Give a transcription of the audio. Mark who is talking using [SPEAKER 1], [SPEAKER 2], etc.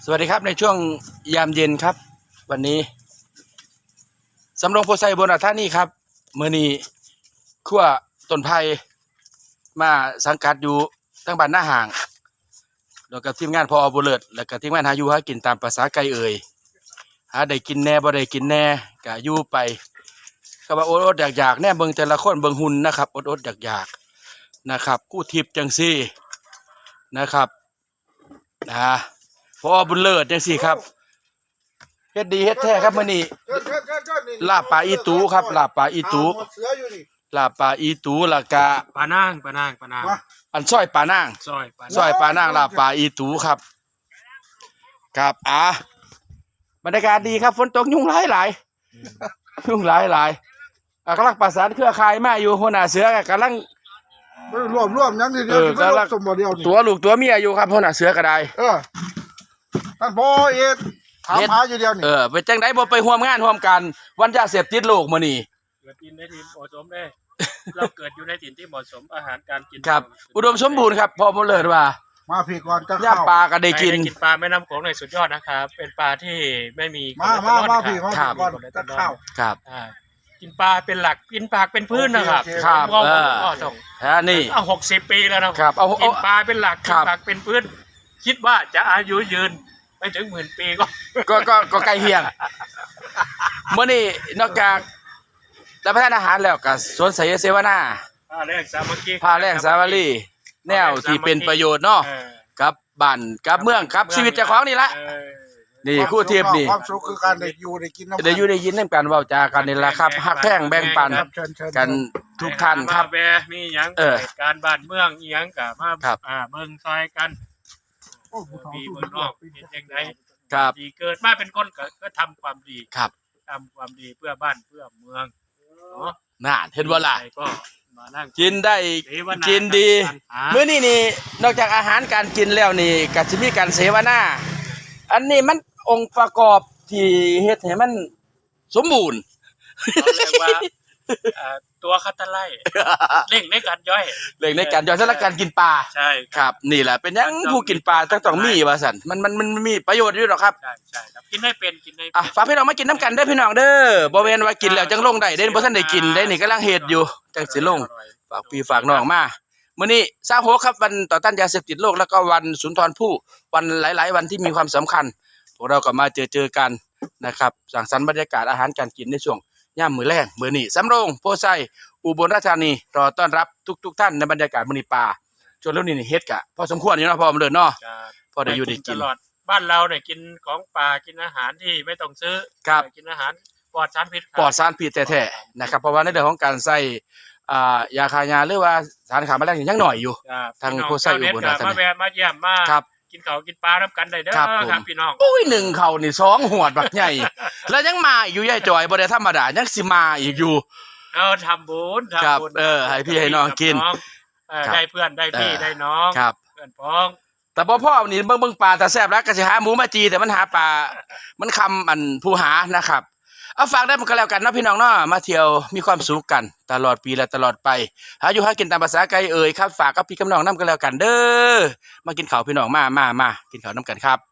[SPEAKER 1] สวัสดีครับในช่วงยามเย็นครับวันนี้สำโรงโพไซบนท่านี่ครับเมื่อนี้ขั้วต้นไผ่มาสังกัดอยู่ตั้งบ้านหน้าห่างแล้วกับทีมงานพอบุเลิศแล้วก็ทีมงานหาอยู่หากินตามภาษาไก่เอ่ยหาได้กินแน่บ่ได้กินแน่ก็อยู่ไปก็ว่าอดๆอยากๆแน่เบิ่งแต่ละคนเบิ่งหุ่นนะครับอดๆอยากๆนะครับกู้ทิพย์จังซี่นะครับพอบุญเลิศจังซี่ครับเฮ็ดดีเฮ็ดแท้ครับมื้อนี้ลาบปลาอีตูครับลาบปลาอีตูลาบปลาอีตูแล้วก็
[SPEAKER 2] ปลานาง
[SPEAKER 1] อันซอยปลานางซอยปลานางลาบปลาอีตูครับครับบรรยากาศดีครับฝนตกยุงหลายยุงหลายกำลังประสานเครือข่ายมาอยู่หัวหน้าเสือกำลัง
[SPEAKER 3] รวมยังทีเดียวกำลังสมบูรณ์เดียว
[SPEAKER 1] ตัวลูกตัวเมียอยู่ครับหัวหน้าเสือก็ได้
[SPEAKER 3] ท่านพ่อเอ็ดถามหาอยู่เดียวนี่
[SPEAKER 1] ไปจังไดบ่ไปร่วมงานร่วมกันวันยาเสพติดโลกมื้อนี้
[SPEAKER 2] เกิดกินในถิ่นเหมาะสมได้เราเกิดอยู่ในถิ่นที่เหมาะสมอาหารการกิน
[SPEAKER 1] ครับอุดมสมบูรณ์ครับพอบ่เลิศว่า
[SPEAKER 3] มาพี่ก่อนจะ
[SPEAKER 1] ย่าปลาก็ได้กิน
[SPEAKER 2] ปลาแม่น้ำโขงในสุดยอดนะครับเป็นปลาที่ไม่มี
[SPEAKER 3] มาพี่ก่อนจะข้าว
[SPEAKER 1] ครับ
[SPEAKER 2] กินปลาเป็นหลักกินผักเป็นพื้นนะครับ
[SPEAKER 1] ครับ
[SPEAKER 2] ต้อง
[SPEAKER 1] นี่
[SPEAKER 2] 60 ปีแล้วนะครับกินปลาเป็นหลักกินผักเป็นพื้นคิดว่าจะอายุยืนไม่ถึง10,000 ปี
[SPEAKER 1] ก็ใกล้เคียงเมื่อนี้นอกจากรับประทานอาหารแล้วก็สวนไสยเสวนา
[SPEAKER 2] พาแรงสามัคคี
[SPEAKER 1] พาแรงสามัคคีแนวที่เป็นประโยชน์เนาะกับบ้านกับเมืองกับชีวิตเจ้าของนี่ละนี่คู่เทียบนี่
[SPEAKER 3] ความสุขคือการได้อยู่ได้กิน
[SPEAKER 1] ได้อยู่ได้ยินน้ำกันเว้าจากันนี่แหละครับฮักแพงแบ่งปันกันทุกท่านครับ
[SPEAKER 2] มีหยังการบ้านเมืองอีหยังก็มาเบิ่งซอยกันมีเมืองนอกเป็นจังได๋ดีเกิดมาเป็นคนก็ทำความดี
[SPEAKER 1] ครับ
[SPEAKER 2] ทำความดีเพื่อบ้านเพื่อเมืองเนาะ
[SPEAKER 1] น่าเห็นบ่ล่ะ
[SPEAKER 2] ก็มานั่ง
[SPEAKER 1] กินได้กินดีมื้อนี้นี่นอกจากอาหารการกินแล้วนี่ก็สิมีการเสวนาอันนี้มันองค์ประกอบที่เฮ็ดให้มันสมบูรณ์
[SPEAKER 2] เรียกว่าตัวคัตเตอร์ไล่เร่งในการย่อย
[SPEAKER 1] สำหรับการกินปลา
[SPEAKER 2] ใช่
[SPEAKER 1] ครับนี่แหละเป็นยังผู้กินปลาต้องมีว่าซั่นมันมีประโยชน์อยู่หรอกครับ
[SPEAKER 2] ใช่ครับกินได้เป็น
[SPEAKER 1] ฝากพี่น้องมากินน้ำกันเด้อพี่น้องเด้อบ่แม่นว่ากินแล้วจังลงได้เด้บ่ทันได้กินได้นี่กำลังเฮ็ดอยู่จังสิลงฝากพี่ฝากน้องมามื้อนี้26ครับวันต่อต้านยาเสพติดโลกแล้วก็วันสุนทรภู่วันหลายๆวันที่มีความสำคัญพวกเราก็มาเจอกันนะครับสังสรรค์บรรยากาศอาหารการกินในช่วงย่ามมื้อแลงมื้อนี้สำโรงโพไซอุบลราชธานีรอต้อนรับทุกท่านในบรรยากาศมื้อนี้ป่าจนแล้วนี่เฮ็ดกะพอสมควรอยู่เนาะพอมันเดินเนาะพอได้อยู่ได้กิน
[SPEAKER 2] ตลอดบ้านเราเนี่ยกินของป่ากินอาหารที่ไม่ต้องซื้อกินอาหารปลอดสารพิษ
[SPEAKER 1] แท้ๆนะครับเพราะว่าในเรื่องของการใส่ยาฆ่าหญ้าหรือว่าสารฆ่าแมลงยังน้อยอยู่ทางโพไซอุบลราชธานี
[SPEAKER 2] มาแวะมาเยี่ยมมากินข้าวกินปลารับกันได้เด้อครับพี่น้อง
[SPEAKER 1] ปุ้ย1ข้าวนี่2หวดบักใหญ่แล้วยังมาอยู่ยายจอยบ่ได้ธรรมดายังสิมาอีกอยู่
[SPEAKER 2] ทำบุญ
[SPEAKER 1] ให้พี่ให้น้องกิน
[SPEAKER 2] ได้เพื่อนได้พี่ได้น้องเพื่อนพ้อง
[SPEAKER 1] แต่พ่อนี่เบิ่งปลาแต่แซ่บแล้วก็สิหาหมูมาจีแต่มันหาปลามันคำอันผู้หานะครับเอาฝากได้มันก็แล้วกันเนาะพี่น้องเนาะมาเที่ยวมีความสุขกันตลอดปีและตลอดไปหาอยู่หากินตามภาษาไกลเอ่ยครับฝากกับพี่กับน้องนำกันแล้วกันเด้อมากินข้าวพี่น้องมากินข้าวน้ำกันครับ